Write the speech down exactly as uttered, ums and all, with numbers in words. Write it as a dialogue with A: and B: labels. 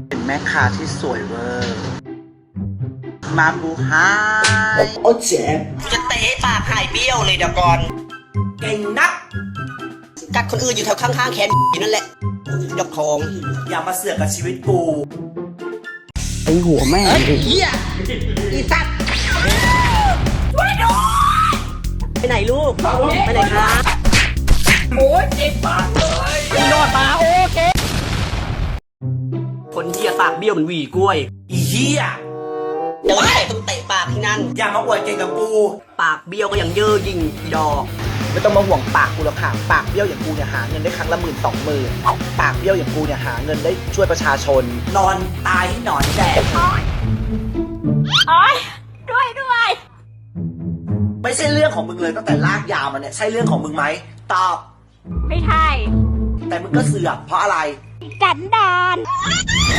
A: เป็นแม่ค้าที่สวยเวอร์มาบูไฮโอ้เจ็บจะเตะปากหายเบี้ยวเลยเดี๋ยวก่อนเก่งนักกัดคนอื่นอยู่แถวข้างๆแขนอยู่นั่นแหละยกทองอย่ามาเสือกกับชีวิตกูไอหัวแม่เฮียอีสัตว์ไปไหนลูกไปไหนคะโอ้ยเจ็บปากเลยนอนมาโอเคคนเฮียปากเบี้ยวมันหวีกล้วยอีเฮียเดินไปต้องเตะปากที่นั่นอย่ามาอวดเก่งกับกูปากเบี้ยวก็ยังเย่อยิ่งอีดอกไม่ต้องมาห่วงปากกูหรอกค่ะปากเบี้ยวอย่างกูเนี่ยหาเงินได้ครั้งละหมื่นสองหมื่นปากเบี้ยวอย่างกูเนี่ยหาเงินได้ช่วยประชาชนนอนตายที่นอนแดด
B: โอ๊ยด้วยด้วย
A: ไม่ใช่เรื่องของมึงเลยตั้งแต่ลากยาวมาเนี่ยใช่เรื่องของมึงไหมตอบ
B: ไม่ใช่
A: แต่มึงก็เสือกเพราะอะไร
B: กันดาน